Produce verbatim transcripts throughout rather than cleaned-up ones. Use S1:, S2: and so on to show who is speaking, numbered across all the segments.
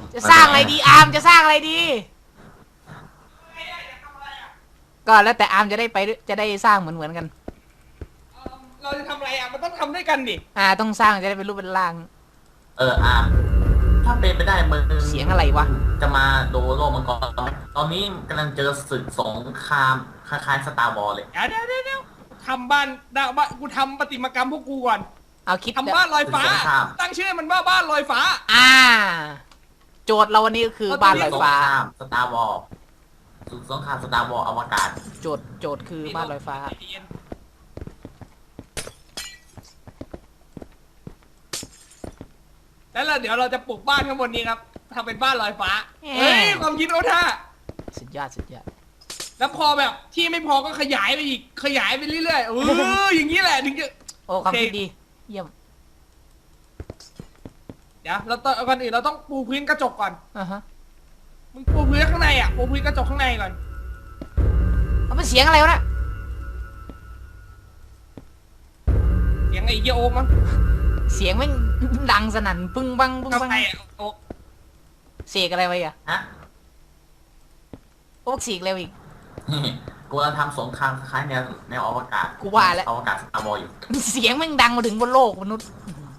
S1: จะสร้างอะไรดีอาร์มจะสร้างอะไรดีก็แล้วแต่อาร์มจะได้ไปจะได้สร้างเหมือนเหมือนกัน
S2: เราจะทำอะไรอ่ะมันต้องทำด้วยกันดิ
S1: อ่าต้องสร้างจะได้เป็นรูปเป็นร่าง
S3: เอออาร์มถ้าเป็นไปได้มึง
S1: เสียงอะไรวะ
S3: จะมาดูโลกมังกรไหมตอนนี้กำลังเจอศึกสงครามคล้ายๆสตาร์วอลเลย
S2: เดี๋ยวเดี๋ยวเดี๋ยวทำบ้านดาวบ้านกูทำประติมากรรมพวกกูก่อน
S1: เอาคิด
S2: ทำบ้านลอยฟ้า
S3: ศึกสงคราม
S2: ตั้งชื่อมันว่าบ้านลอยฟ้า
S1: อ่าโจทย์เราวันนี้ก็คือบ้านลอยฟ้า
S3: สตาร์วอลศึกสงครามสตาร์วอลอวกาศ
S1: โจทย์โจทย์คือบ้านลอยฟ้า
S2: แล้วเราเดี๋ยวเราจะปลูกบ้านข้างบนนี้ครับทำเป็นบ้านลอยฟ้าเฮ้ยความคิดเขาท่า
S1: สุดยอดสุดยอด
S2: แล้วพอแบบที่ไม่พอก็ขยายไปอีกขยายไปเรื่อยๆเอออย่างนี้แหละถึงจะ
S1: โอ้ความคิดดีเยี่ยม
S2: เดี๋ยวเราต้องก่อนอื่นเราต้องปูพื้นกระจกก่อน
S1: อ่าฮะ
S2: มึงปูพื้นข้างในอ่ะปูพื้นกระจกข้างในก่อน
S1: เอาเป็นเสียงอะไรวะน่ะ
S2: เสียงไอ้เหี้ยโอ๊กมั้ง
S1: เสียงแม่งดังสนั่นปึ้งบังปึ้งบัง
S2: โอ๊ก
S1: เสกอะไรไว้อะ
S3: ฮะ
S1: โอ๊กเสกเร็วอีก
S3: กูกำลังทำสงครามคล้ายแนวแนวอวกาศ
S1: กูว่าแล้ว
S3: อวกาศสตาร์วอลอยู่
S1: เสียงแม่งดังมาถึงบนโลกมนุษย์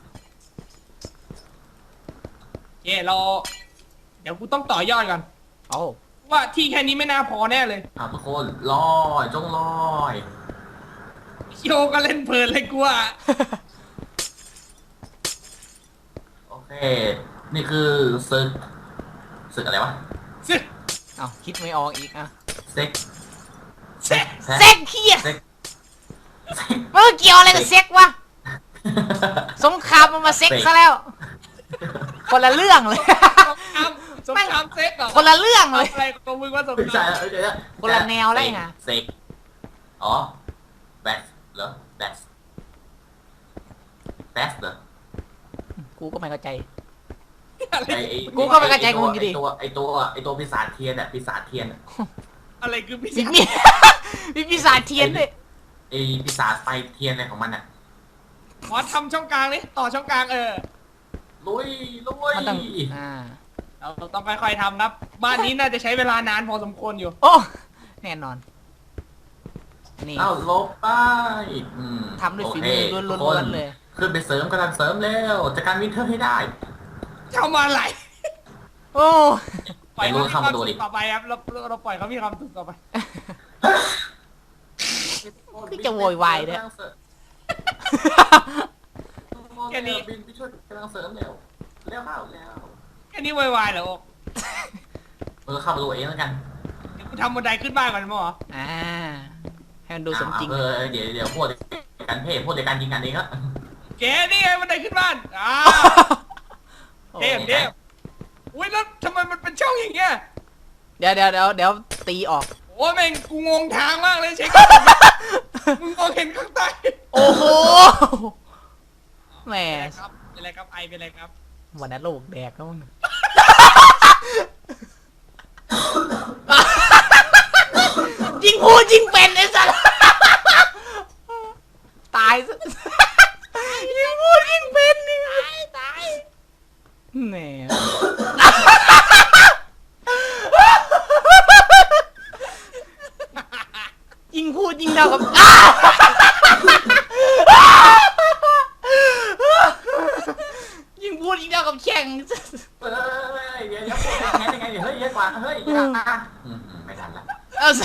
S2: เย่เราเดี๋ยวกูต้องต่อยอดก่อน
S1: โอ้
S2: ว่าที่แค่นี้ไม่น่าพอแน่เลย
S3: อ้าวทุกคนลอยจงลอย
S2: โยก็เล่นเพลินเลยกูอ่ะ
S3: โอเคนี่คือศึกศึกอะไรวะ
S2: ซึ
S1: เอาคิดไม่ออกอีกอ่ะ
S3: เซ็ก
S2: เซ็ก
S1: เซ็กเฮียเมื่อเกี่ยวอะไรกับเซ็กวะสงครามมันมาเซ็กซะแล้วคนละเรื่องเลย
S2: สงครามเซ็กเหรอ
S1: คนละเรื่องเลย
S2: อะไรของมึงว่าสงคราม
S1: คนละแนวเลยไง
S3: เซ็กอ๋อแบสเหรอแบสแบสเหรอ
S1: กูก็ไม่เข้าใจ
S3: กูก็ไม่เข้าใจกูไอตัวไอตัวไอตัวปีศาจเทียนอ่ะปีศาจเทียน
S2: อะไรคือปีศาจ
S1: มีปีศาจเทียนด้วย
S3: ไอปีศาจไฟเทียนอะไรของมันอ่ะ
S2: ขอทำช่องกลางนี่ต่อช่องกลางเออ
S3: ลุยลุย
S1: มันต้องอ่า
S2: เราต้องค่อยๆทำครับบ้านนี้น่าจะใช้เวลานานพอสมควรอยู่
S1: โอ้แน่นอน
S3: นี่เอาลบไป
S1: ทำด้วยฝีมือล้วนๆเลย
S3: ขึ้นไปเสริมกำลังเสริมแล้วจัดการวินเทอร์ให้ได้
S2: ทำอะไร
S1: โอ้
S2: ปล่อยเขามีความสุขต่อไปครับเราเราปล่อยเขามีความสุขต่อไป
S1: คือจะโวยวายเนี่ย
S2: แค่นี้
S3: บินไปช่วยกำลังเสริมแล้วแล้วเข้าแล้ว
S2: แค่นี้โวยวายเหรอโอ๊ก
S3: เออเข้ามาดูเองแล้วกัน
S2: เดี๋ยวกูทำบันไดขึ้นบ้านก่อนมั้งเหรอ
S1: อ่าให้มันดูสมจริง
S3: เออเดี๋ยวเดี๋ยวพวกกันเทพพวกเดียวกันยิงกันเองครับ
S2: เก๋นี่ไงบันไดขึ้นบ้านอ่าเทพเทพอุ้ยแล้วทำไมมันเป็นช่องอย่างเงี้ย
S1: เดี๋ยวเดี๋ยวเดี๋ยวเดี๋ยวตีออก
S2: โอ้แม่งกูงงทางมากเลยเช็คมึงมองเห็นข้างใต้
S1: โอ้โหแหม
S2: เป็นไรครับไอเป็นไรครับ
S1: วันนั้นโลกแดกแล้วมึงยิงพูดยิงเป็นไอ้สัสตายซะยิงพูดยิงเป็นนี่ตายตายแหน่ยิงพูดยิงเท่ากับยิงพูดยิงเท่ากับแข่ง
S3: เฮ้ยเดี๋ยวเดี๋ยวยังไงยังไงเฮ้ยเยอะกว่าเฮ้ยไม่ทันละ
S1: เอาสิ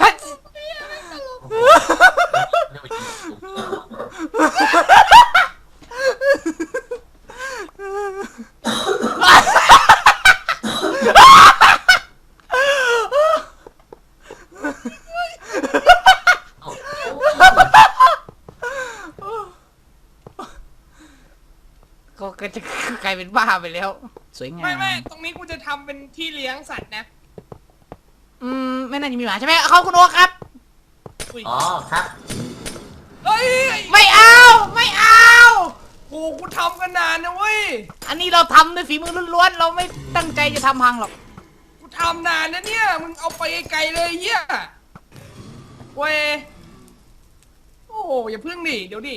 S1: ก็จะกลายเป็นบ้าไปแล้วสวยงาม
S2: ไม่ไม่ตรงนี้กูจะทำเป็นที่เลี้ยงสัตว์นะ
S1: อืมไม่น่าจะมีหมาใช่ไหมเขาคุณโอ๊คครับ
S3: อ๋อครับ
S2: เฮ้ย
S1: ไม่เอาไม่เอา
S2: โอ้กูทำกันนานนะเว้ย
S1: อันนี้เราทำด้วยฝีมือล้วนๆเราไม่ตั้งใจจะทำพังหรอก
S2: กูทำนานนะเนี่ยมึงเอาไปไกลเลยเหี้ยเว้ยโอ้อย่าพึ่งดิเดี๋ยวดิ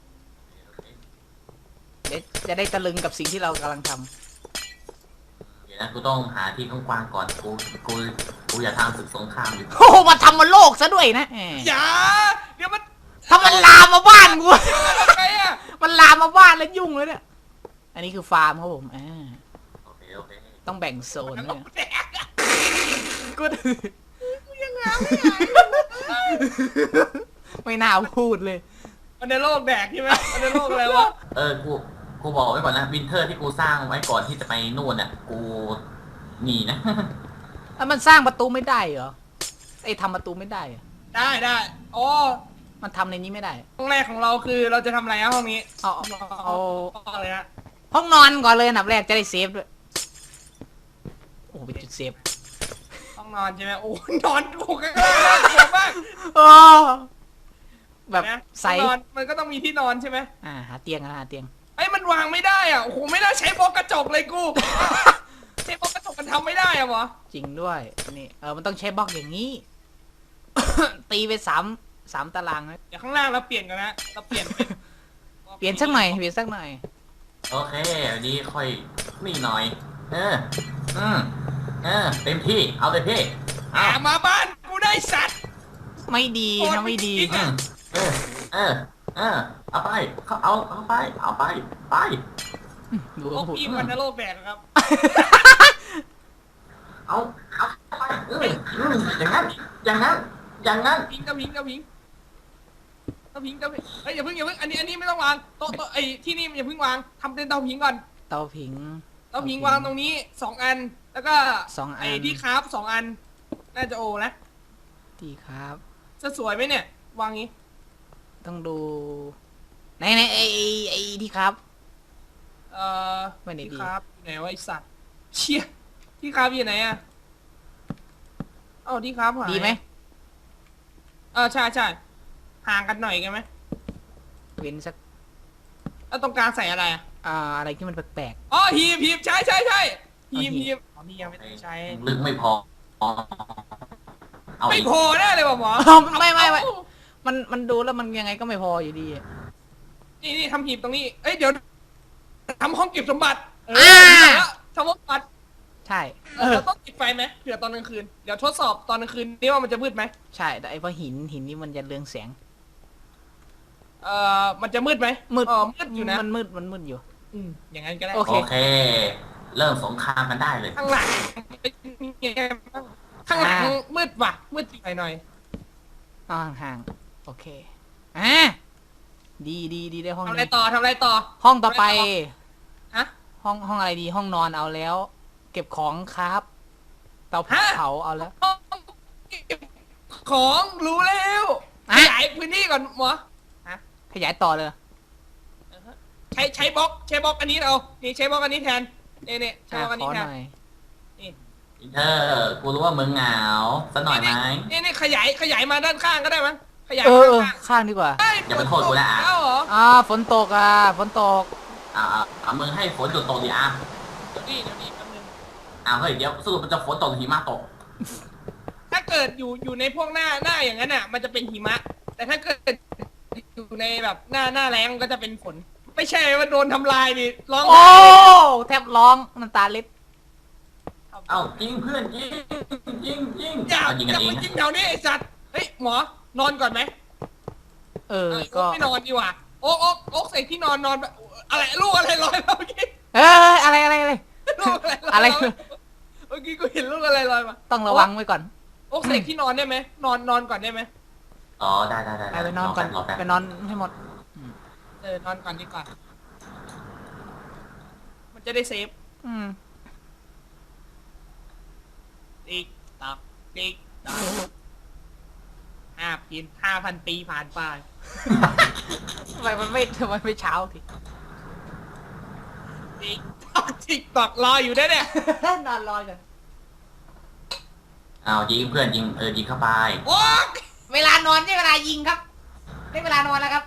S1: จะได้ตะลึงกับสิ่งที่เรากำลังทำ
S3: นะกูต้องหาที่กว้างๆก่อนกูกูกูอย่าทำศึกสงครามอยู่
S1: โอ้โหมาทำมาโลกซะด้วยนะแหม
S2: อย่าเดี๋ยวมัน
S1: ถ้ามันลามมาบ้านกู
S2: ไงอะ
S1: มันลามมาบ้านแล้วยุ่งเลยเนี่ยอันนี้คือฟาร์มครับผมอ่า
S3: โอเคโอเค
S1: ต้องแบ่งโซน
S2: มัน
S1: เนี่ย
S2: แดกอะ
S1: กู
S2: ยังไง
S1: ไม่น่าพูดเลย
S2: มันในโลกแดกใช่ไหมมันในโลกอะไรวะ
S3: เออกูกูบอกไว้ก่อนนะวินเทอร์ที่กูสร้างไว้ก่อนที่จะไปนู่นน่ะกูหนีนะ
S1: แล้วมันสร้างประตูไม่ได้เหรอไอ้ทำประตูไม่ได้เหรอ
S2: ได้ได้อ๋อ
S1: มันทำในนี้ไม่ได้
S2: ห้องแรกของเราคือเราจะทำอะไรอะห้องนี้
S1: เอาเอาเอา
S2: ห้องอะไรฮะ
S1: ห้องนอนก่อนเลยอันดับแรกจะได้เซฟด้วยโอ้โหเป็นจุดเซฟ
S2: ห้องนอนใช่ไหมโอ้นอนกูข้างล่างน่ากลัวมาก
S1: โอ้แบบ
S2: นะ
S1: ใส
S2: ห้องนอนมันก็ต้องมีที่นอนใช่ไหม
S1: อ่าหาเตียงนะหาเตียง
S2: ไอ้ยมันวางไม่ได้อ่ะโอ้โหไม่น่าใช้บล็อกกระจกเลยกู ใช้บล็อกกระจกมันทำไม่ได้อะหรอ
S1: จริงด้วยนี่เออมันต้องใช้บล็อกอย่างนี้ ตีไปสามสามตารางนะ
S2: เดี๋ยวข้างล่างเราเปลี่ยนกันนะเราเปลี่ยนเป็น
S1: เปลี่ยนสักหน่อยเปลี่ยนสักหน่อย
S3: โอเคอันนี้ค่อยนี่หน่อย เอออืมเออเต็มที่เอาเลยพี่
S2: อ่า
S3: เอา
S2: มาบ้านกูได้สัตว์
S1: ไม่ดีนะไม่ดี
S3: อืมเออเออเออเอาไปเขาเอาเอาไปเอาไปไป
S1: ดู
S2: โล
S1: เขา
S2: ก
S1: พูด
S2: พี่วันนโลกแดกครับ
S3: เอาเอาไปเอออืมอย่างนั้นอย่างนั้นอย่างนั้น
S2: พิงกับพิงกับพิงกับพิงกับพิงเฮ้ยอย่าเพิ่งอย่าเพิ่งอันนี้อันนี้ไม่ต้องวางโต๊ะโต๊ะไอ้ที่นี่อย่าเพิ่งวางทำเป็นเตาพิงก่อน
S1: เตาผิง
S2: เตาพิงวางตรงนี้สองอัน แล้วก็
S1: สองอัน
S2: ไอ้ที่คราฟสองอัน น่าจะโอนะ
S1: ดีครับ
S2: จะสวยไหมเนี่ย วางงี้
S1: ต้องดูไหนไหนไอไอ้ไอที่ครับ
S2: เอ่อ
S1: ไม่ได้ดี
S2: ที่คราฟอยู่ไหนวะไอสัตว์เชี่ยที่คราฟอยู่ไหนอะเอ้าที่คราฟหาย
S1: ดีไหม
S2: เออใช่ใช่ห่างกันหน่อยกันไหม
S1: เว้นสัก
S2: แล้วตรงกลางใส่อะไรอะ
S1: อ่าอะไรที่มันแปลก
S2: อ๋อฮีบฮีบใช่ใช่ใช่ฮีบ
S1: เอาหีบ
S2: ฮีบอ๋อนี่ยังไม่ต้องใช้
S3: ลึกไม่พอเอา
S2: ไม่
S3: อีก
S2: พอแน่เลยว่ะหมอ
S1: ๆอ้าวไม่ไม่ไม่
S2: เอ้า
S1: มันมันดูแล้วมันยังไงก็ไม่พออยู่ดี
S2: นี่นี่ทำหีบตรงนี้ เอ้ยเดี๋ยวทำห้องเก็บสมบัติเอ
S1: อ่า
S2: อทำห้องสมบัติ
S1: ใช่
S2: เออเราต้องติดไฟไหมเผื่อตอนกลางคืน เดี๋ยวทดสอบตอนกลางคืนนี่ว่ามันจะมืดไหม
S1: ใช่แต่ไอ้พวกหินหินนี่มันจะเรืองแสง
S2: เอ่อมันจะมืดไหม
S1: มืด
S2: อ๋อมืดอยู่นะ
S1: มันมืดมันมืดอยู่
S2: อืมอย่างนั้นก็ได้
S1: โอเค
S3: โอเค เริ่มสงครามกันได้เลย
S2: ข้างหลังเป็นยังไงบ้างข้างหลัง
S1: อ่า
S2: มืดว่ะมืดหน่อยหน่อย
S1: อ่าห่างๆโอเคอ่าดีดีดีได้ห้อง
S2: ทำอะไร
S1: นี้
S2: ต่อทำอะไรต่อ
S1: ห้องต่อไป
S2: ฮะ
S1: ห้องห้องอะไรดีห้องนอนเอาแล้ว เก็บของครับเตา
S2: ฮะ
S1: เผาเอาแล้ว
S2: ห้องเก็บของรู้แล้ว
S1: อ่ะ
S2: ขยายพื้นที่ก่อนหมอ
S1: ขยายต่อเลย
S2: ใช้ใช้บล็อกใช้บล็อกอันนี้เอานี่ใช้บล็อกอันนี้แทนนี่นี่ใช้
S1: อ่า
S2: บล็อกอัน
S1: ขอ
S2: นี้แท
S1: ห
S2: น
S1: น่อย
S3: เธอกูรู้ว่ามึงเหงาสักหน่อยไหม
S2: นี่นี่ขยายขยายมาด้านข้างก็ได้มั้งขยาย
S1: เอ
S2: มา
S1: อเออ
S2: ด้านข้าง
S1: ข้างดีกว่า
S2: เฮ้
S3: อย่าไปโทษกูนะอ่ะ
S2: แล้วเหรอ
S1: อ่าฝนตกอ่ะฝนตก
S3: อ่าเอามึงให้ฝนหยุดตกดิอ่ะ
S2: เดี๋ยวนี่เดี๋ยวนี่แป๊บนึง
S3: อ้าวเฮ้ยเดี๋ยวสรุปมันจะฝนตกหรือหิมะตก
S2: ถ้าเกิดอยู่อยู่ในพวกหน้าหน้าอย่างนั้นอ่ะ มันจะเป็นหิมะ แต่ถ้าเกิดอยู่ในแบบหน้าหน้าแล้งก็จะเป็นฝน ไม่ใช่ว่าโดนทำลายดิร้อง
S1: โอ้
S2: ไห้
S1: แทบร้องน้ำตาเล็ด
S3: เอ้ายิงเพื่อนยิงยิงยิง
S2: อย่า
S3: เอายิง
S2: อ
S3: กัน
S2: ย่า
S3: เอ
S2: ไป
S3: ง
S2: ยิงแถวนี้ไอ้สัตว์เฮ้ยหมอนอนก่อนไหม
S1: เออ
S2: เออ
S1: ก็
S2: ไม่นอนดีกว่าโอ๊กโอ๊กโอ๊กใส่ที่นอนนอนแบบอะไรลูกอะไรลอยมาเมื่อกี้
S1: เอออะไรอะไรอะไร
S2: ลูกอะไรลอย
S1: อะไร
S2: มาเมื่อกี้กูเห็นลูกอะไรลอยมา
S1: ต้องระวังไว้ก่อน
S2: โอ๊กใส่ที่นอนได้ไหมนอนนอนก่อนได้ไหม
S3: อ๋อได้ได้ได้
S1: ไปไปนอนก่อน
S3: รอแป๊บ
S1: ไปนอนให้หมด
S2: เออนอนก่อนดีกว่ามันจะได้เซฟ
S1: อืม
S2: ติ๊กตักติ๊กตักห้าปีห้าพันปีผ่านไป
S1: ทำไมมันไม่ทำไมไม่เช้าที
S2: ติ๊กตักติ๊กตักรออยู่ได้เนี่ย
S1: นอนรอกัน
S3: เอายิงเพื่อนยิงเออยิงเข้าไป
S2: โอ๊ก
S1: เวลานอนได้เวลายิงครับได้เวลานอนแล้วครับ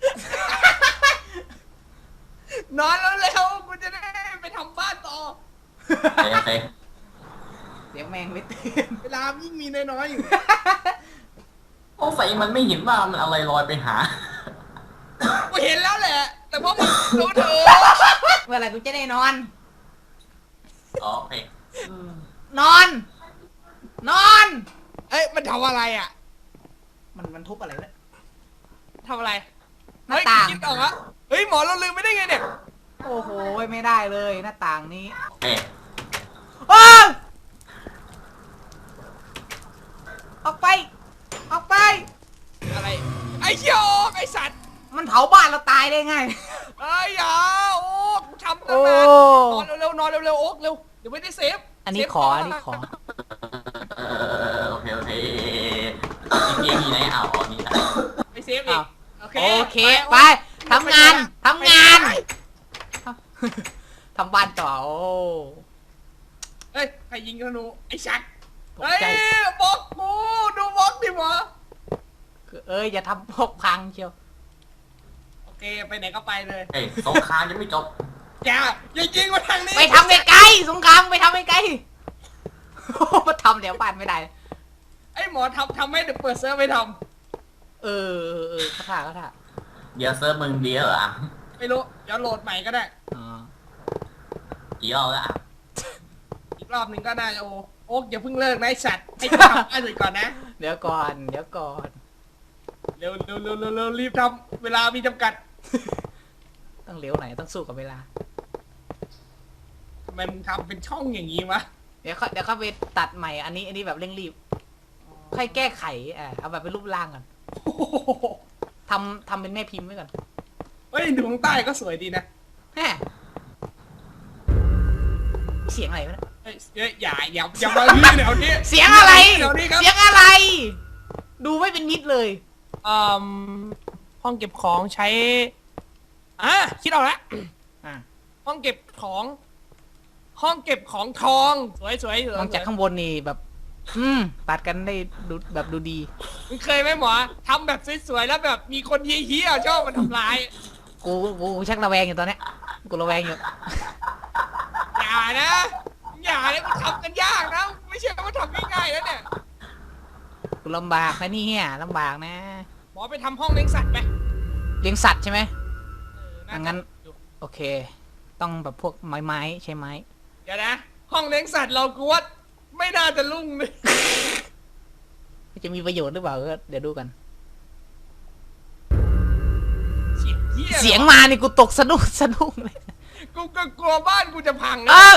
S2: นอนแล้วเร็วกูจะได้ไปทำบ้านต่อ
S3: โอเคโอเค
S1: เสียงแมงไม่ตื่น
S2: เวลายิ่งมีน้อยๆอยู่
S3: สงสัยมันไม่เห็นว่ามันอะไรลอยไปหา
S2: กูเห็นแล้วแหละ แต่พวกมึงรู้เถอะ
S1: เมื่อไหร่กูจะได้นอน
S3: อ๋อโอเค
S1: นอน นอน
S2: เอ้ยมันทำอะไรอ่ะ
S1: มันมันทุบอะไรเนี่ย
S2: ทำอะไร
S1: หน้า
S2: เฮ้ย
S1: ต่าง
S2: คิดออกแล้วเฮ้ยหมอเราลืมไม่ได้ไงเนี่ย
S1: โอ้โหไม่ได้เลยหน้าต่างนี้
S3: เอ๊ะ
S1: อ้าวออกไป ออกไป
S2: อะไรไอ้เหี้ยโอ๊กไอ้สัตว์
S1: มันเผาบ้านเราตายได้ไง
S2: เอ้ยอย่าโอ๊กกูทำตั้
S1: โอ้
S2: งนานนอนเร็วๆนอนเร็วๆโอ๊กเร็วเดี๋ยวไม่ได้เซฟ
S1: อันนี้
S2: เซฟ
S1: ขอ อันนี้ขอ
S3: เออโอเคโอเคอีกทีไหนเอาอ๋อนี่นะ
S2: ไปเซฟอีก
S1: อ้าว
S2: โอเค
S1: โอเค ไปทำงานทำงาน ทำบ้านต่อโอ้
S2: เฮ้ยใครยิงธนูไอ้ชัก
S1: ตก
S2: เฮ้ย
S1: ใจ
S2: บล็อกกูดูบล็อกดิหมอ
S1: เอ้ยอย่าทำพวกพังเชียว
S2: โอเคไปไหนก็ไปเลย
S3: เอ้ยสงครามยังไม่จบ
S2: อย่าอย่ายิงมาทางนี้
S1: ไปทำไกลๆสงครามไปทำไกลๆมาทำเดี๋ยวบ้านไม่ได้
S2: ไอ้หมอทำทำให้เดี๋ยวเปิดเซิร์ฟไม่ท
S1: เออเออเออเขาถ่าเขาถ่า
S3: เดี๋ยวเซิร์ฟมึงเดียวเหรออ่ะ
S2: ำไม่รู้เดี๋ยวโหลดใหม่ก็ได้
S1: อ๋อ
S3: กี่รอบแล้วอ่ะ
S2: อีกรอบหนึ่งก็ได้โอ้โอ๊กอย่าเพิ่งเลิกนะไอ้สัตว์ให้กูทำอันอื่นก่อนนะ
S1: เดี๋ยวก่อน เดี๋ยวก่อน
S2: เร็วเร็วเร็วเร็วเร็วรีบทำเวลามีจำกัด
S1: ต้องเร็วหน่อยต้องสู้กับเวลา
S2: ทำไมมึงทำเป็นช่องอย่างนี้วะ
S1: เดี๋ยวเขาเดี๋ยวเขาไปตัดใหม่ อันนี้ อันนี้แบบเร่งรีบ ค่อยแก้ไขอ่าเอาแบบเป็นรูปร่างก่อน
S2: โอ้โห
S1: ทำทำเป็นแม่พิมพ์ไว้ก่อน
S2: เฮ้ยดูข้างใต้ก็สวยดีนะ
S1: แฮะเสียงอะไรวะเนี่ย
S2: เฮ้ยเฮ้ยอย่าอย่าอย่ามาที่แถวนี้
S1: เสียงอะไร
S2: แถวนี้ครับ
S1: เสียงอะไร ดูไม่เป็นมิตรเลย
S2: อืมห้องเก็บของใช้อ่ะคิดออกแล้ว
S1: อ่ะ
S2: ห้องเก็บของ ห้องเก็บของทอง สวยสวยสวย
S1: มองจากข้างบนนี่แบบ อืมตัดกันได้ดูแบบดูดี
S2: มึงเคยไหมหมอทำแบบสวยๆแล้วแบบมีคนเฮี้ยๆชอบมาทำร้าย
S1: กูกูกูชักระแวงอยู่ตอนเนี้ยกูระแวงอยู่
S2: อย่านะอย่าเลยมันทำกันยากนะ ไม่ใช่ว่าทำง่ายๆแล้วเนี่ย
S1: กูลำบากนะเนี่ยลำบากนะ
S2: หมอไปทำห้องเลี้ยงสัตว์ไป
S1: เลี้ยงสัตว์ใช่ไหม
S2: เออน่า
S1: อ่ะ
S2: จะ
S1: งั้น
S2: อยู่
S1: โอเค ต้องแบบพวกไม้ไม้ใช่ไหม
S2: เดี๋ยวนะ ห้องเลี้ยงสัตว์เรากูว่าไม่น่าจะรุ่งเลย
S1: จะมีประโยชน์หรือเปล่าก็เดี๋ยวดูกัน
S2: เสียงเฮี้ย
S1: เสียงมานี่กูตกสะดุ้งสะดุ้งเลย
S2: กูก็กลัวบ้านกูจะพัง
S1: เอ
S2: นะ
S1: อ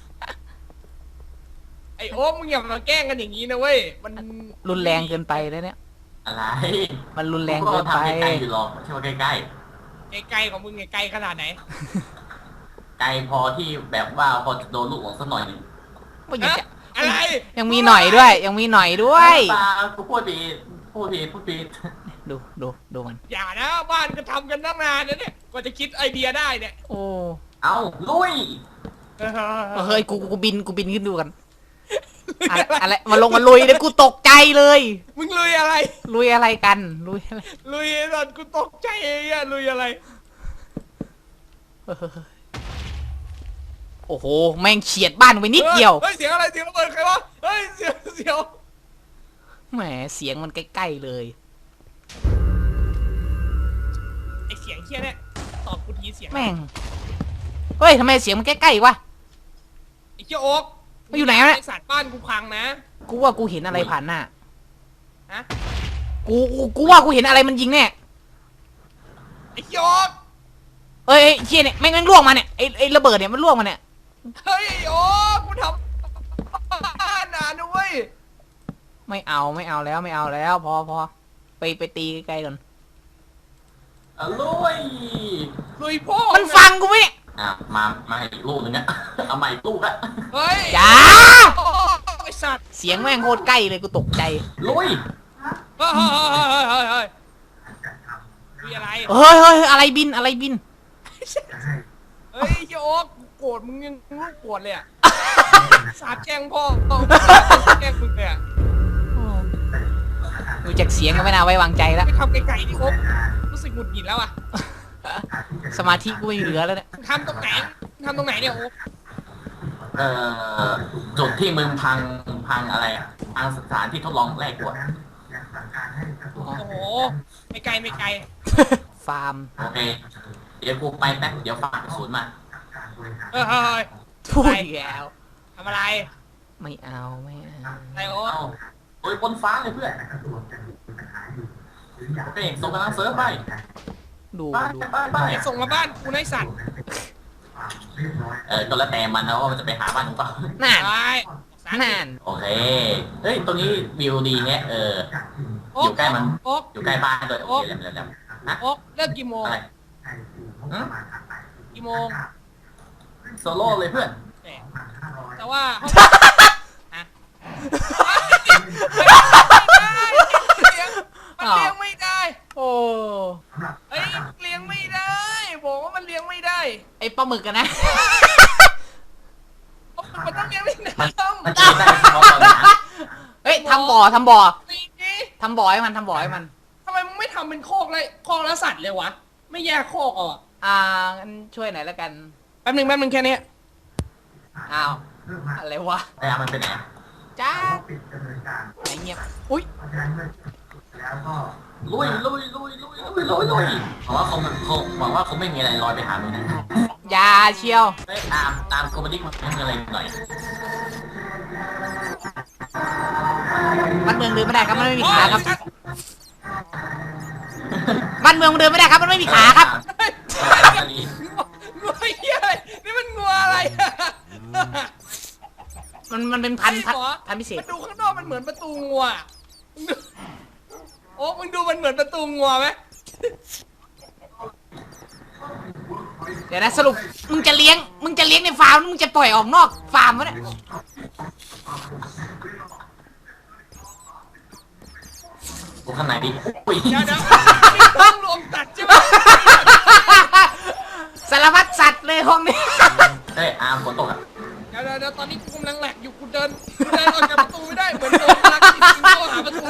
S2: ไอโอ๊คมึงอย่ามาแกล้งกันอย่างนี้นะเว้ยมัน
S1: รุนแรงเกินไปแล้วเนี่ย
S3: อะไร
S1: มันรุนแรง
S3: กู
S1: เกินไป
S3: ทำใกล้ๆอยู่หรอกไม่ใช่ว่าใกล้
S2: ไกลๆของมึงไงไกลขนาดไหน
S3: ๆไกลพอที่แบบว่าพอจะโดนลูกหลงสักหน่อยหนึง
S1: ว่ายัง
S2: ฮะ
S1: จะ
S2: อะไร
S1: ยังมีหน่อยด้วย ยังมีหน่อยด้วย
S3: ตากูพูดผิดพูดผิดพูดผิด
S1: ดูดูดูมัน
S2: อย่านะบ้านก็ทำกันตั้งนานนะเนี่ยกว่าจะคิดไอเดียได้เนี่ย
S1: โอ้
S3: เอาลุย
S1: เฮ้ยกูกูบินกูบินขึ้นดูกันอะไรอะไรมาลงมาลุยเดี๋ยวกูตกใจเลย
S2: มึงลุยอะไร
S1: ลุยอะไรกันลุยอะไร
S2: ลุยตอนกูตกใจเองอะลุยอะไร
S1: เฮ้ยโอ้โหแม่งเฉียดบ้านไปนิดเดียว
S2: เฮ้ยเสียงอะไรเสียงระเบิดใครวะเฮ้ยเสียงเสียง
S1: แหมเสียงมันใกล้ๆเลย
S2: ไอเสียงเฮี้ยเนี่ยตอบกูทีเสียง
S1: แม่งเฮ้ยทำไมเสียงมันใกล้ๆวะ
S2: ไอเฮี้ยโอ๊ก
S1: มันอยู่ไหนวะเนี่ย
S2: ไอสัตว์บ้านกูพังนะ
S1: กูว่ากูเห็นอะไรผ่านหน้า
S2: ฮะ
S1: กูกูกูว่ากูเห็นอะไรมันยิงแน่
S2: ไอเฮี้ยโอ๊ก
S1: เอ้ยเอ้ยเชี่ยเนี่ยแม่งแม่งล่วงมาเนี่ยไอ้ไอ้ระเบิดเนี่ยมันล่วงมาเนี่ย
S2: เฮ้ยโอ๊กกูทำบ้านนะนุ้ย
S1: ไม่เอาไม่เอาแล้วไม่เอาแล้ว พอพอไปไปตีไกลๆก่อน
S3: เอาลุย
S2: ลุยพ่อ
S1: มันฟังกูไหมเนี่ย
S3: อ่ะมามาอีกลูกหนึงอะ เอามาอีกลูกละ
S2: เฮ้ย
S1: จ้า
S2: โอ๊กไอสัตว์
S1: เสียงแม่งโคตรใกล้เลยกูตกใจ
S3: ลุย
S2: เฮ้ยเฮ้ยเฮ้ยเฮ้ยเฮ้ยลุยอะไร
S1: เฮ้ยเฮ้ยอะไรบินอะไรบิน
S2: เฮ้ยเฮี้ยโอ๊กกูโกรธมึงยังลูกโกรธเลยอะสาบแช่งพ่อแกล้งมึงเลยอะ
S1: ดูจากเสียงก็ไม่น่าไว้วางใจแล้ว
S2: ไปทำไกลๆดิโอ๊กรู้สึกหงุดหงิดแล้วอะ
S1: สมาธิกูไม่เหลือแล้วเนี่ย
S2: ทำตรงไหนทำตรงไหนเนี่ยโอ๊ก
S3: เอ่อจุดที่มึงพังพังอะไรอะพังสถานที่ทดลองแรกกว่า
S2: โอ้โหไม่ไกลไม่ไกล
S1: ฟาร์ม
S3: โอเค เดี๋ยวกูไปแป๊บเดี๋ยวฝากกระสุนมา
S2: เออเฮ้ย
S1: พูดอีกแล้ว
S2: ทำอะไร
S1: ไม่เอาไม่เอา
S2: ไอโอ๊ต
S3: เอาโอ้ยบนฟ้าเลยเพื่อนเป่งส่งกำลังเซิร์ฟไป
S1: ดู
S3: ไป
S1: ดู
S3: ไปไป
S2: ไอส่งมาบ้านกูนายสัตว์
S3: เออก็แล้วแต่มันนะว่ามันจะไปหาบ้านหรือเปล่า
S1: นั่น
S2: ไปสาม
S1: นั่น
S3: โอเค เฮ้ย ตรงนี้วิวดีเนี่ย เออ
S2: โอ๊
S3: อยู่ใกล้มัน
S2: โอ๊ก
S3: อยู่ใกล้บ้านด้วยโอเคแล้วแล้วนะ
S2: โอ๊กเลิกกี่โมง
S3: อะไรหืม
S2: กี่โมง
S3: โซโล่เลยเพื่อน
S2: แหมแต่ว่าห้องฮะมันเลี้ยงไม่ได้
S1: โอ้
S2: เฮ้ยเลี้ยงไม่ได้บอกว่ามันเลี้ยงไม่ได้
S1: ไอปลาหมึกกันนะ
S2: มันต้องเลี้ยงในน้
S3: มันกินได้เฉพาะตอนนี้นะ
S1: เฮ้ยทำบ่อทำบ่อ
S2: ำนี่นี่
S1: ทำบ่อให้มันทำบ่อให้มัน
S2: ทำไมมึงไม่ทำเป็นโคอกเลยโคอกแล้วสัตว์เลยวะ ไม่แยกโคอกอ่ะ
S1: อ่างั้นช่วยหน่อยแล้วกัน
S2: แป๊บหนึงแป๊บหนึงแค่เนี้ย
S1: อ้าวอะไรวะ
S3: ไอ้อามันเป็นไง
S1: จ้าไหนเงียบอุ้ย
S3: ลุยลุยลุยลุยลุยลุยลุยหวังว่าคงคงหวังว่าคงไม่มีอะไรลอยไปหามึงนะ
S1: อยาเชียว
S3: เฮ้ยตามตามโคมดิกมาเป็นอะไรหน่อย
S1: มันเมืองเดินไม่ได้ครับมันไม่มีขาครับมันเมืองมันเดินไม่ได้ครับมันไม่มีขาครับ
S3: อันนี้
S2: งัวเหี้ยอะไรนี่มันงัวอะไรอะ
S1: มันมันเป็นพันธุ์พัน
S2: ใช่เหรอ
S1: พันธุ์พิเศษ
S2: มันดูข้างนอกมันเหมือนประตูงัวมึงดูโอ้มึงดูมันเหมือนประตูงัวไหม
S1: เดี๋ยวนะสรุปมึงจะเลี้ยงมึงจะเลี้ยงในฟาร์มหรือมึงจะปล่อยออกนอกฟาร์มวะเนี่ย
S3: กูข้างในดิอุ้ย
S2: เดี๋ยวเดี๋ยวนี่ต้องรวมตัดใช่ไหม
S1: สารพัดสัตว์เลยห้องนี้
S3: เฮ้ยอาร์มฝนตกอ่ะ
S2: เดี๋ยวเดี๋ยวเดี๋ยวตอนนี้กูกำลังแหลกอยู่กูเดินกูเดินออกจากประตูไม่ได้เหมือนโดนลักที่ยิงเข้าหาประตู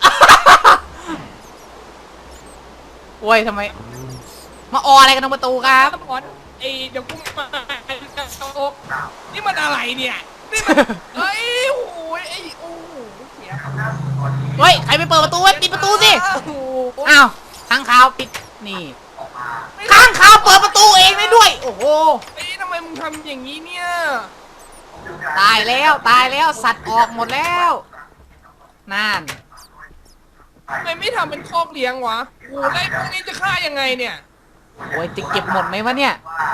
S1: โอ้ยทำไม มาอออะไรกันตรงประตูครับ
S2: บอลไอเดี๋ยวกูมาโอ๊กนี่มันอะไรเนี่ยนี่มันเฮ้ยโอ้ยไอโอ้โหเสีย
S1: เฮ้ยใครไปเปิดประตูไว้ปิดประตูสิ
S2: โอ้โห
S1: อ้าวข้างขาวปิดนี่ข้างขาวเปิดประตูเองได้ด้วย โอ้โห
S2: เฮ้ยทำไมมึงทำอย่างนี้เนี่ย
S1: ตายแล้วตายแล้วสัตว์ออกหมดแล้วนั่น
S2: ทำไมไม่ทำเป็นคอกเลี้ยงวะโอ้โหได้พวกนี้จะฆ่ายังไงเนี่ย
S1: โอ้ยจะเก็บหมดไหมวะเนี่ย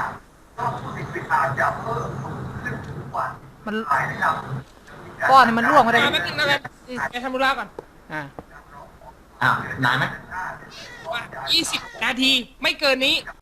S1: มันก้อนนี่มันร่วงมาได้
S2: มาแป๊บนึงนะแป๊บอืมไปทำธุระก่อน
S1: อ่า
S3: อ้าว นานไหม
S2: ว่ายี่สิบนาทีไม่เกินนี้